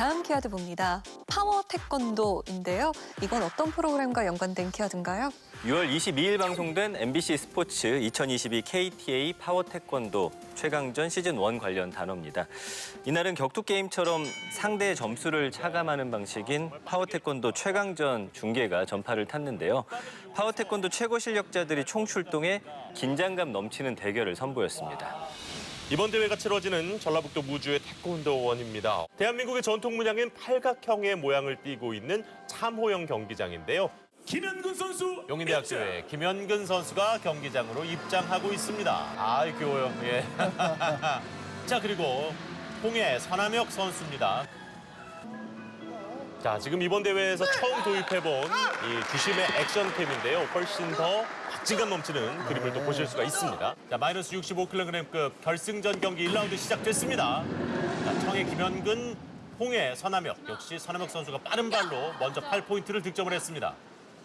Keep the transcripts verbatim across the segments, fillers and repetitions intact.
다음 키워드 봅니다. 파워 태권도인데요. 이건 어떤 프로그램과 연관된 키워드인가요? 유월 이십이일 방송된 엠비씨 스포츠 이천이십이 케이티에이 파워 태권도 최강전 시즌 일 관련 단어입니다. 이날은 격투 게임처럼 상대의 점수를 차감하는 방식인 파워 태권도 최강전 중계가 전파를 탔는데요. 파워 태권도 최고 실력자들이 총출동해 긴장감 넘치는 대결을 선보였습니다. 이번 대회가 치러지는 전라북도 무주의 태권도원입니다. 대한민국의 전통 문양인 팔각형의 모양을 띠고 있는 참호영 경기장인데요. 김현근 선수 용인대학교의 김현근 선수가 경기장으로 입장하고 있습니다. 아이 귀여워요. 예. 자 그리고 홍해 선남혁 선수입니다. 자 지금 이번 대회에서 처음 도입해본 이 주심의 액션캠인데요. 훨씬 더 박진감 넘치는 그림을 또 보실 수가 있습니다. 자 마이너스 육십오 킬로그램급 결승전 경기 일 라운드 시작됐습니다. 자 청해 김현근, 홍해 선남혁 역시 선남혁 선수가 빠른 발로 먼저 팔 포인트를 득점을 했습니다.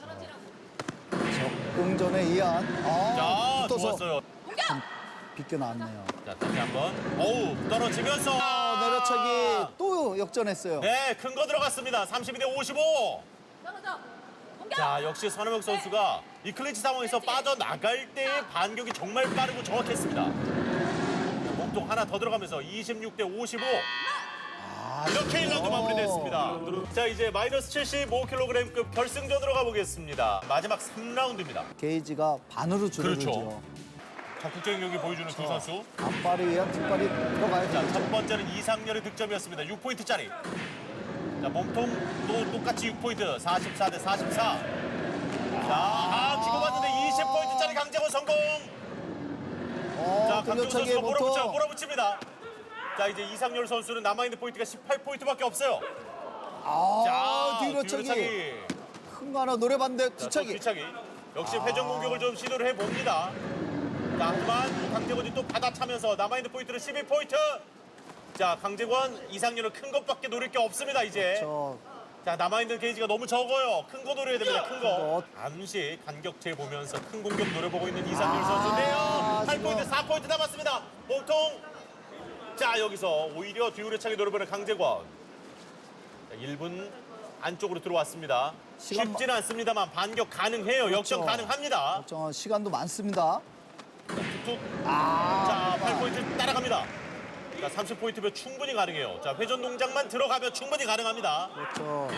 응전의 이한. 아, 자, 붙어서 좋았어요. 좀 비껴 나왔네요. 자, 다시 한번. 어우, 떨어지면서. 아, 내려차기 또 역전했어요. 네, 큰 거 들어갔습니다. 삼십이 대 오십오. 자, 역시 선우혁 선수가 이 클린치 상황에서 빠져나갈 때의 반격이 정말 빠르고 정확했습니다. 몸통 하나 더 들어가면서 이십육 대 오십오. 아, 이렇게 일 라운드 어. 마무리됐습니다. 자, 이제 마이너스 칠십오 킬로그램급 결승전으로 가보겠습니다. 마지막 삼 라운드입니다. 게이지가 반으로 줄어들죠. 그렇죠. 적극적인 경기 보여주는 두 선수. 앞발에 의한 뒷발이 들어가야 자, 되죠. 첫 번째는 이상열의 득점이었습니다. 육 포인트짜리. 자, 몸통 또 똑같이 육 포인트. 사십사 대 사십사. 자, 아, 주고받는데 이십 포인트짜리 강재원 성공. 어, 자, 강재원 돌려차기에 선수가 몰아붙여요. 몸통. 몰아붙입니다. 자, 이제 이상열 선수는 남아있는 포인트가 십팔 포인트밖에 없어요. 아, 자, 뒤로차기. 뒤로차기. 큰 거 하나 노려봤는데 자, 또 뒤차기. 뒤차기. 역시 회전 공격을 좀 시도를 해봅니다. 자, 하지만 강재권이 또 받아차면서 남아있는 포인트는 십일 포인트. 자, 강재권, 이상열은 큰 것밖에 노릴 게 없습니다, 이제. 저 자, 남아있는 게이지가 너무 적어요. 큰 거 노려야 됩니다, 큰 거. 거. 잠시 간격체 보면서 큰 공격 노려보고 있는 이상열 아, 선수인데요. 팔 포인트, 지금. 사 포인트 남았습니다. 몸통. 자, 여기서 오히려 뒤우려차기 노려보는 강재권. 자, 일 분 안쪽으로 들어왔습니다. 시간 쉽지는 않습니다만 반격 가능해요. 역전 그렇죠. 가능합니다. 저 시간도 많습니다. 툭툭. 아, 자, 팔 포인트 따라갑니다. 자, 삼십 포인트면 충분히 가능해요. 자, 회전 동작만 들어가면 충분히 가능합니다. 그렇죠.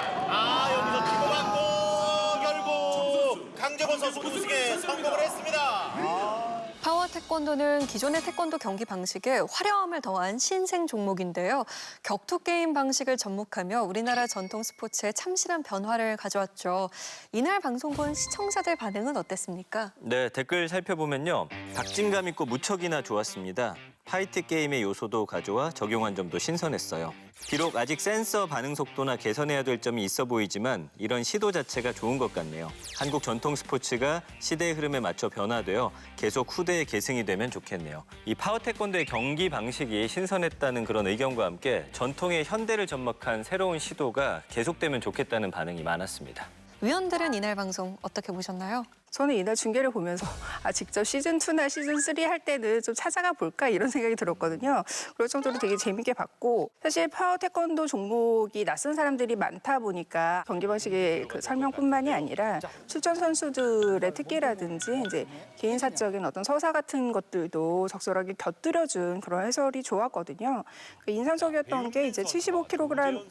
아, 여기서 주고받고 결국 강재권 선수 우승에 성공을 했습니다. 파워 태권도는 기존의 태권도 경기 방식에 화려함을 더한 신생 종목인데요. 격투 게임 방식을 접목하며 우리나라 전통 스포츠에 참신한 변화를 가져왔죠. 이날 방송 본 시청자들 반응은 어땠습니까? 네, 댓글 살펴보면요. 박진감 있고 무척이나 좋았습니다. 파이트 게임의 요소도 가져와 적용한 점도 신선했어요. 비록 아직 센서 반응 속도나 개선해야 될 점이 있어 보이지만 이런 시도 자체가 좋은 것 같네요. 한국 전통 스포츠가 시대의 흐름에 맞춰 변화되어 계속 후대의 계승이 되면 좋겠네요. 이 파워 태권도의 경기 방식이 신선했다는 그런 의견과 함께 전통의 현대를 접목한 새로운 시도가 계속되면 좋겠다는 반응이 많았습니다. 위원들은 이날 방송 어떻게 보셨나요? 저는 이날 중계를 보면서 아 직접 시즌이나 시즌삼 할 때는 좀 찾아가 볼까 이런 생각이 들었거든요. 그럴 정도로 되게 재밌게 봤고 사실 파워 태권도 종목이 낯선 사람들이 많다 보니까 경기 방식의 그 설명뿐만이 아니라 출전 선수들의 특기라든지 이제 개인사적인 어떤 서사 같은 것들도 적절하게 곁들여준 그런 해설이 좋았거든요. 그 인상적이었던 게 이제 칠십오 킬로그램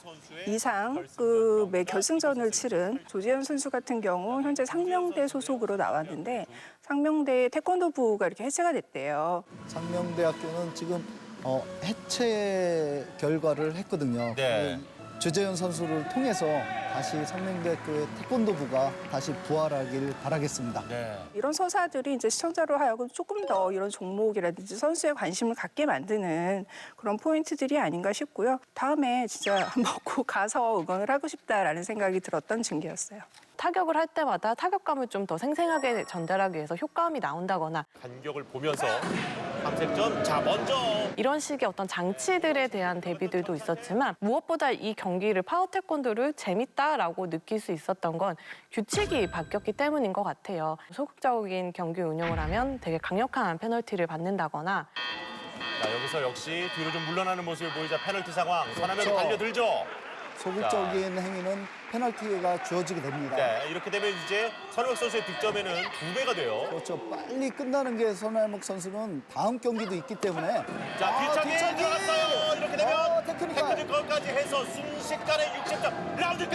이상급의 결승전을 치른 조재현 선수 같은 경우 현재 상명대 소속으로 나왔는데 상명대 태권도부가 이렇게 해체가 됐대요. 상명대학교는 지금 어, 해체 결과를 했거든요. 네. 주재현 선수를 통해서 다시 상명대학교의 태권도부가 다시 부활하길 바라겠습니다. 네. 이런 서사들이 이제 시청자로 하여금 조금 더 이런 종목이라든지 선수에 관심을 갖게 만드는 그런 포인트들이 아닌가 싶고요. 다음에 진짜 한번 꼭 가서 응원을 하고 싶다라는 생각이 들었던 중계였어요. 타격을 할 때마다 타격감을 좀 더 생생하게 전달하기 위해서 효과음이 나온다거나 간격을 보면서 삼색점. 자, 먼저 이런 식의 어떤 장치들에 대한 대비들도 있었지만 무엇보다 이 경기를 파워 태권도를 재밌다라고 느낄 수 있었던 건 규칙이 바뀌었기 때문인 것 같아요. 소극적인 경기 운영을 하면 되게 강력한 페널티를 받는다거나 자, 여기서 역시 뒤로 좀 물러나는 모습을 보이자 페널티 상황. 서남혁이 그렇죠. 달려들죠. 소극적인 행위는 페널티가 주어지게 됩니다. 네, 이렇게 되면 이제 서남혁 선수의 득점에는 두 배가 돼요. 그렇죠. 빨리 끝나는 게 손할목 선수는 다음 경기도 있기 때문에. 자, 아, 뒤차기 뒤차기! 들어갔어요. 이렇게 되면 어, 테크니컬. 테크니컬까지 해서 순식간에 육십 점 라운드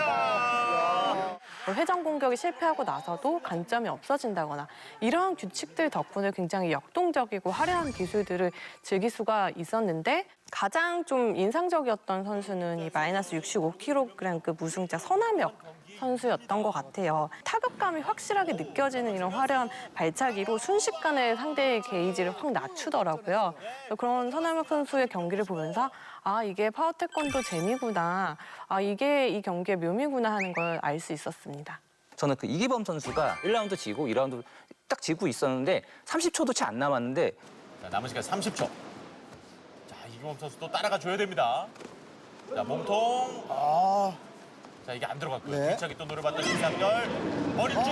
끝납니다. 회전 공격이 실패하고 나서도 관점이 없어진다거나 이러한 규칙들 덕분에 굉장히 역동적이고 화려한 기술들을 즐길 수가 있었는데 가장 좀 인상적이었던 선수는 이 마이너스 육십오 킬로그램급 우승자 서남혁 선수였던 것 같아요. 타격감이 확실하게 느껴지는 이런 화려한 발차기로 순식간에 상대의 게이지를 확 낮추더라고요. 그런 서남혁 선수의 경기를 보면서 아, 이게 파워 태권도 재미구나. 아, 이게 이 경기의 묘미구나 하는 걸 알 수 있었습니다. 저는 그 이기범 선수가 일 라운드 지고 이 라운드 딱 지고 있었는데 삼십 초도 채 안 남았는데 자, 남은 시간 삼십 초. 자, 이경범 선수 또 따라가 줘야 됩니다. 자, 몸통. 아, 자, 이게 안 들어갔고요. 네. 뒤차기 또 노려봤던 이상열. 머리 쪽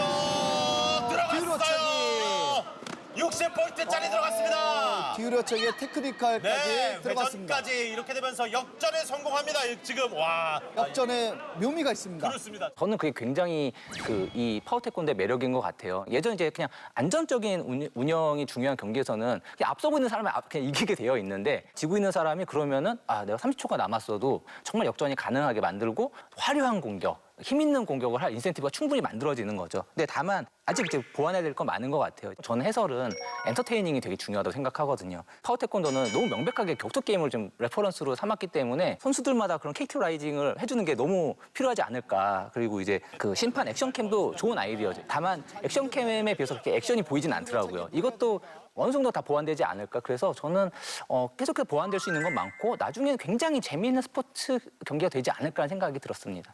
뒤로 들어갔어요. 육십 포인트짜리 들어갔습니다. 뒤우려차기의 테크니컬까지 네, 들어갔습니다. 회전까지 이렇게 되면서 역전에 성공합니다. 지금 와. 역전의 묘미가 있습니다. 그렇습니다. 저는 그게 굉장히 그 이 파워 태권도의 매력인 것 같아요. 예전 이제 그냥 안전적인 운- 운영이 중요한 경기에서는 그냥 앞서고 있는 사람이 앞- 그냥 이기게 되어 있는데 지고 있는 사람이 그러면은 아 내가 삼십 초가 남았어도 정말 역전이 가능하게 만들고 화려한 공격, 힘 있는 공격을 할 인센티브가 충분히 만들어지는 거죠. 근데 다만 아직 이제 보완해야 될 건 많은 것 같아요. 저는 해설은 엔터테이닝이 되게 중요하다고 생각하거든요. 파워 태권도는 너무 명백하게 격투 게임을 좀 레퍼런스로 삼았기 때문에 선수들마다 그런 캐릭터라이징을 해주는 게 너무 필요하지 않을까. 그리고 이제 그 심판 액션캠도 좋은 아이디어죠. 다만 액션캠에 비해서 그렇게 액션이 보이진 않더라고요. 이것도 어느 정도 다 보완되지 않을까. 그래서 저는 어, 계속해서 보완될 수 있는 건 많고 나중에는 굉장히 재미있는 스포츠 경기가 되지 않을까라는 생각이 들었습니다.